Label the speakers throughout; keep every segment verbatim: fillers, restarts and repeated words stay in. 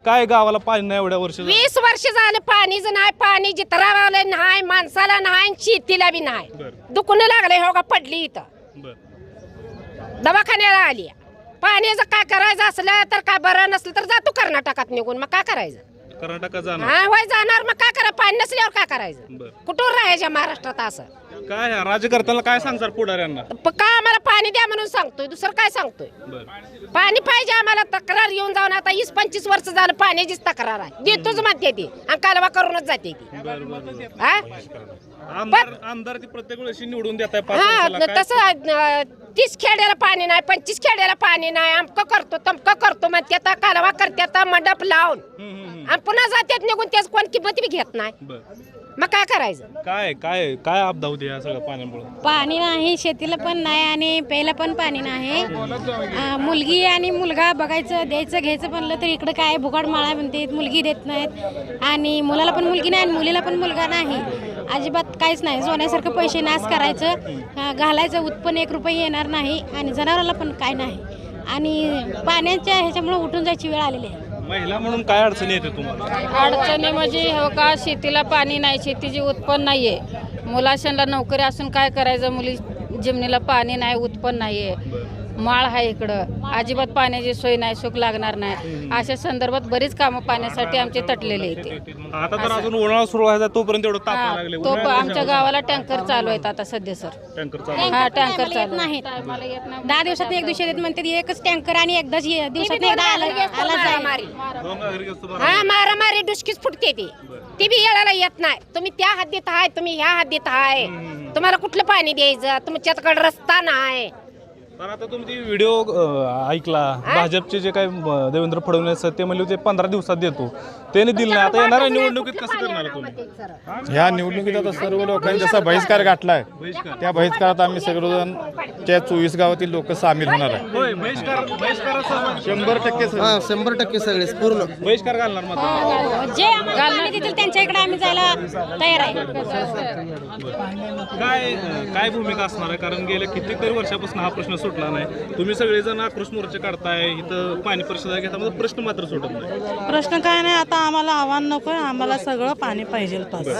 Speaker 1: काय गावाला पाणी नाही एवढ्या वर्ष
Speaker 2: वीस वर्ष झालं पाणीच नाही. पाणी जितरावाला नाही, माणसाला नाही, शेतीला बी नाही. दुखणं लागलंय हो का पडली इथं दवाखान्याला आली. पाण्याचं काय करायचं असलं तर काय बरं नसलं तर जातो कर्नाटकात निघून. मग काय करायचं?
Speaker 1: कर्नाटकात जाणार
Speaker 2: हा वय जाणार. मग काय करा पाणी नसल्यावर काय करायचं? कुठून राहायच्या महाराष्ट्रात असं
Speaker 1: काय राज्यकर्त्याला काय सांगणार पुढाऱ्यांना?
Speaker 2: का आम्हाला पाणी द्या म्हणून सांगतोय, दुसरं काय सांगतोय? पाणी पाहिजे आम्हाला. तक्रार येऊन जाऊन आता वीस पंचवीस वर्ष झालं पाण्याचीच तक्रार आहे. देतोच म्हणते ती आणि कालवा करूनच जाते ती.
Speaker 1: आमदार आमदार ती प्रत्येक वेळेस निवडून देत आहे.
Speaker 2: हा तसं तीस खेड्याला पाणी नाही, पंचवीस खेड्याला पाणी नाही. आमकं करतो तमकं करतो म्हणते. आता कालवा करते, आता मंडप लावून आणि पुन्हा जात्यात निघून. त्याच कोण किंमत बी घेत नाही. मग काय करायचं?
Speaker 1: काय काय काय आपदा होती या सगळ्या पाण्यामुळे?
Speaker 3: पाणी नाही, शेतीला पण नाही आणि प्यायला पण पाणी नाही. मुलगी आणि मुलगा बघायचं द्यायचं घ्यायचं म्हणलं तर इकडं काय भुगाड माळा म्हणते, मुलगी देत नाहीत. आणि मुलाला पण मुलगी नाही आणि मुलीला पण मुलगा नाही. अजिबात काहीच नाही. सोन्यासारखं पैसे नाश करायचं, घालायचं उत्पन्न एक रुपये येणार नाही आणि जनावराला पण काय नाही. आणि पाण्याच्या ह्याच्यामुळे उठून जायची वेळ आलेली आहे.
Speaker 1: महिला म्हणून काय अडचणी येते तुम्हाला?
Speaker 4: अडचणी म्हणजे हो का, शेतीला पाणी नाही, शेतीचे उत्पन्न नाहीये. मुलाशांना नोकरी असून काय करायचं? मुली जमिनीला पाणी नाही, उत्पन्न नाहीये. माळ आहे इकडं, अजिबात पाण्याची सोय नाही, सुख लागणार नाही. अशा संदर्भात बरीच कामं पाण्यासाठी आमचे तटलेले येते.
Speaker 1: आता तर अजून उन्हाळा सुरू व्हायचा तोपर्यंत एवढं ताप लागले.
Speaker 4: तो आमच्या गावाला टँकर चालू आहेत आता सध्या सर.
Speaker 1: टँकर चालू
Speaker 4: हा टँकर चालू
Speaker 3: नाही. दहा दिवसात एक दिवशी येत म्हणते. एकच टँकर आणि एकदाच दिवसात एकदा आला
Speaker 2: हा मारामारी डुसकीच फुटते ती. ती बी येळाला येत नाही. तुम्ही त्या हद्दीत आहे, तुम्ही ह्या हद्दीत आहे. तुम्हाला कुठलं पाणी द्यायचं? तुमच्याकडे रस्ता नाही.
Speaker 1: तर आता तुम्ही व्हिडिओ ऐकला, भाजपचे जे काही देवेंद्र फडणवीस ते म्हणले होते पंधरा दिवसात देतो, त्याने दिलं नाही. आता येणाऱ्या निवडणुकीत कसं करणार तुम्ही?
Speaker 5: ह्या निवडणुकीत आता सर्व लोकांनी जसा बहिष्कार गाठलाय, त्या बहिष्कारात आम्ही सर्वजण त्या चोवीस गावातील लोक सामील होणार आहे. शंभर टक्के
Speaker 6: शंभर टक्के सगळे पूर्ण
Speaker 1: बहिष्कार घालणार मात्र
Speaker 3: जे आम्हाला देतील त्यांच्या इकडे आम्ही जायला तयार आहे.
Speaker 1: काय काय भूमिका असणार आहे? कारण गेल्या कित्येक वर्षापासून हा प्रश्न सुटला नाही. तुम्ही सगळेजण आक्रोश मोर्चे काढताय, इथं पाणी परिषदा घेता, म्हणजे प्रश्न मात्र सुटत नाही.
Speaker 7: प्रश्न काय नाही. आता आम्हाला आव्हान नकोय, आम्हाला सगळं पाणी पाहिजे.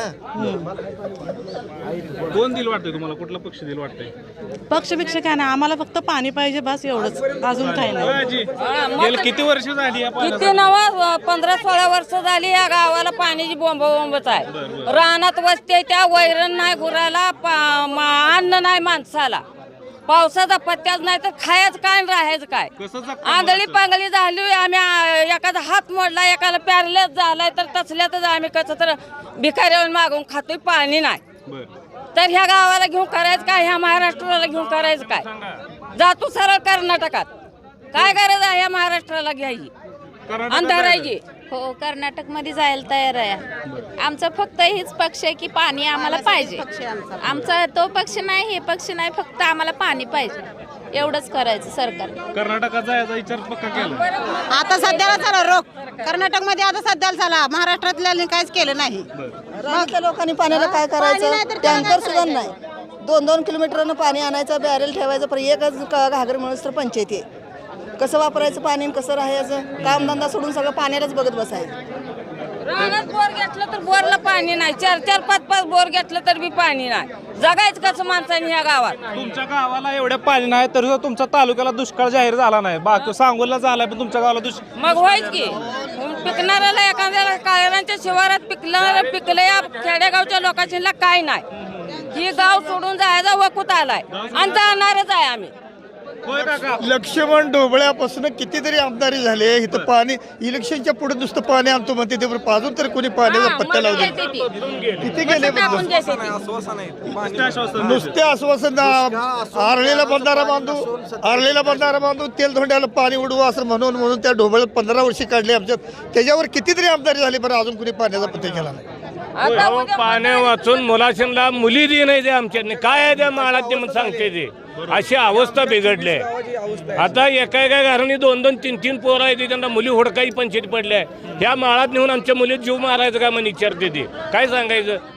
Speaker 1: कोण दिल वाटतंय तुम्हाला? कुठला पक्ष दिल वाटतंय?
Speaker 7: पक्षपेक्षा काय नाही, आम्हाला फक्त पाणी पाहिजे बस, एवढंच, अजून काही नाही.
Speaker 1: गेल्या किती वर्ष झाली?
Speaker 4: किती नवा पंधरा सोळा वर्ष झाली या गावाला पाण्याची बोंब बोंबच आहे. रानात वस्ते, त्या वैरण नाही गुराला, अन्न नाही माणसाला, पावसाचा पत्त्याच नाही तर खायचं काय राहायचं काय? आंधळी पांगळी झाली. आम्ही एखादा हात मोडला, एखादा पॅरलेस झालाय तर तसल्यातच आम्ही कसं तर भिकाऱ्यावर मागून खातोय. पाणी नाही तर ह्या गावाला घेऊन करायचं काय? ह्या महाराष्ट्राला घेऊन करायचं काय? जातो सरळ कर्नाटकात. काय गरज आहे ह्या महाराष्ट्राला घ्यायची अंधारायची?
Speaker 3: हो, कर्नाटक मध्ये जायला तयार आहे. आमचा फक्त हेच पक्ष आहे की पाणी आम्हाला पाहिजे. आमचा तो पक्ष नाही, हे पक्ष नाही, फक्त आम्हाला पाणी पाहिजे. एवढंच करायचं सरकार.
Speaker 1: कर्नाटकात जायचा विचार पक्का केला?
Speaker 8: आता सध्याला झाला रोग कर्नाटक मध्ये. आता सध्याला झाला. महाराष्ट्रातल्या काहीच केलं नाही.
Speaker 9: लोकांनी पाण्याला काय करायचं? टँकर सुद्धा नाही. दोन दोन किलोमीटरनं पाणी आणायचं, बॅरेल ठेवायचं, पण एकच घागर मिळून तर पंचायती आहे. कसं वापरायचं पाणी, कसं राहायचं? कामधंदा सोडून सगळं पाण्यालाच बघत बसायचं.
Speaker 4: रानात बोर घेतलं तर बोरला पाणी नाही. चार चार पाच पाच बोर घेतलं तर बी पाणी नाही. जगायचं कसं माणसाने ह्या गावात?
Speaker 1: तुमच्या गावाला एवढ्या पाणी नाही तर तुमच्या तालुक्याला दुष्काळ जाहीर झाला नाही. बाकी सांगोला झालाय, पण तुमच्या गावाला दुष्काळ
Speaker 4: मग व्हायच की. पिकणाऱ्याला एखाद्याला काळ्यांच्या शिवारात पिकलं पिकलं या खेडेगावच्या लोकांना काय नाही. ही गाव सोडून जायचा वकूत आलाय आणि जाणारच आहे आम्ही.
Speaker 5: लक्ष्मण ढोबळ्यापासून कितीतरी आमदारी झाले. इथं पाणी इलेक्शनच्या पुढे नुसतं पाणी आणतो म्हणते, ते अजून तरी कोणी पाण्याचा पत्ता लावले किती गेले? नुसते आश्वासन. आरलेला बंधारा बांधू, आरलेला बंधारा बांधू, तेल धोंड्याला पाणी उडवू असं म्हणून म्हणून त्या ढोबळ्यात पंधरा वर्षी काढले आमच्यात. त्याच्यावर कितीतरी आमदारी झाली, बरं अजून कोणी पाण्याचा पत्ता केला नाही.
Speaker 10: पाण्या वाचून मुलाशांना मुली दे नाही. ते आमच्या काय आहे त्या माळात ते म्हणून सांगते ते. अशी अवस्था बिघडली आहे. आता एका एका घराने दोन दोन तीन तीन पोरं आहेत, त्यांना मुली हुडकाई पंचायत पडल्या. ह्या माळात नेऊन आमच्या मुली जीव मारायचं का म्हणून विचारते ते. काय सांगायचं?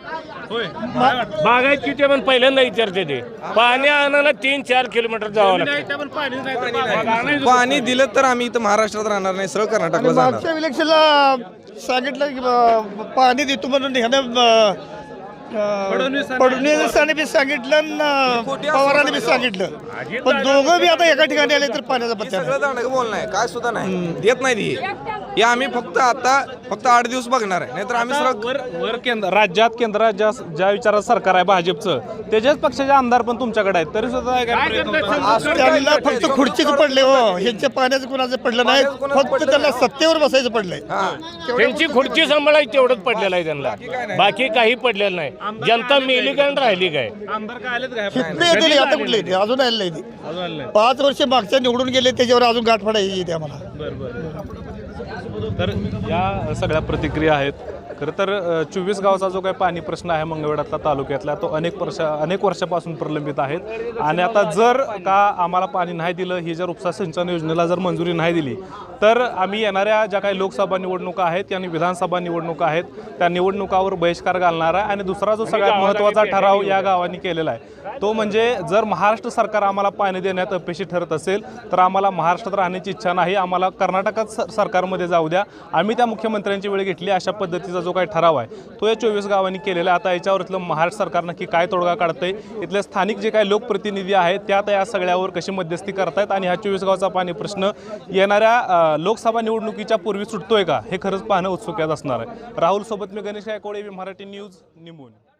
Speaker 1: होय काय वाटतं?
Speaker 10: बागायतीचे पण पहिल्यांदा विचारते ते पाणी आणायला तीन चार किलोमीटर जावं लागतं.
Speaker 1: नाही, त्या पण पाणी नाही तर बागा आणायचं.
Speaker 6: पाणी दिलं तर आम्ही इथं महाराष्ट्रात राहणार नाही, सरळ कर्नाटकला जाणार.
Speaker 5: मागच्या इलेक्शनला सांगितलं की अं, पाणी देतो म्हणून ह्यानं अं,
Speaker 1: फडणवीसांनी-
Speaker 5: फडणवीसांनी बी सांगितलं आणि पवारांनी बी सांगितलं पण दोघं बी आता एका ठिकाणी आले तर पाण्याचा पत्ता नाही.
Speaker 6: सगळं जाणं बोल नाही काय सुद्धा नाही देत नाही ती. हे आम्ही फक्त आता फक्त आठ दिवस बघणार आहे, नाहीतर आम्ही
Speaker 1: आता
Speaker 6: सरळ
Speaker 1: वर वर केंद्र राज्यात केंद्रात ज्या ज्या विचारात सरकार आहे भाजपचं त्याच्याच पक्षाचे आमदार पण तुमच्याकडे आहेत तरी सुद्धा काय प्रयत्न होता?
Speaker 5: त्यांना फक्त खुर्चीच पडले हो ह्यांच्या पाण्याचं कुणाचं पडलं नाही फक्त त्यांना सत्तेवर बसायचं पडलंय.
Speaker 10: त्यांची खुर्ची सांभाळायची तेवढंच पडलेलं आहे त्यांना, बाकी काही पडलेलं नाही. जनता मेली काय आणि राहिली काय?
Speaker 1: आमदार काय आलेत काय
Speaker 5: किती येतील आता कुठले येते अजून आले नाही ते.
Speaker 1: अजून आले नाही.
Speaker 5: पाच वर्ष मागच्या निवडून गेले त्याच्यावर अजून गाठ पडायची येते आम्हाला.
Speaker 1: बरं बरं तर या सगळ्या प्रतिक्रिया आहेत. खरं तर चोवीस गावचा जो काही पाणी प्रश्न आहे मंगळवेढ्यातला तालुक्यातला तो अनेक वर्ष अनेक वर्षापासून प्रलंबित आहेत आणि आता जर का आम्हाला पाणी नाही दिलं ही जर उपसा सिंचन योजनेला जर मंजुरी नाही दिली तर आम्ही येणाऱ्या ज्या काही लोकसभा निवडणुका आहेत आणि विधानसभा निवडणुका आहेत त्या निवडणुकावर बहिष्कार घालणार आहे. आणि दुसरा जो सगळ्यात महत्त्वाचा ठराव या गावांनी केलेला आहे तो म्हणजे जर महाराष्ट्र सरकार आम्हाला पाणी देण्यात अपयशी ठरत असेल तर आम्हाला महाराष्ट्रात राहण्याची इच्छा नाही, आम्हाला कर्नाटकात स सरकारमध्ये जाऊ द्या. आम्ही त्या मुख्यमंत्र्यांची वेळ घेतली अशा पद्धतीचा जो काही ठराव आहे तो या चोवीस गावांनी केलेला आहे. आता याच्यावर इथलं महाराष्ट्र सरकार नक्की काय तोडगा काढतंय, इथले स्थानिक जे काही लोकप्रतिनिधी आहेत त्यात या सगळ्यावर कशी मध्यस्थी करतायत आणि हा चोवीस गावचा पाणी प्रश्न येणाऱ्या लोकसभा निवडणुकीच्या पूर्वी सुटतोय का हे खरंच पाहणं उत्सुक असणार आहे. राहुल सोबत मी गणेश गायकवाड, मराठी न्यूज, निंबोनी.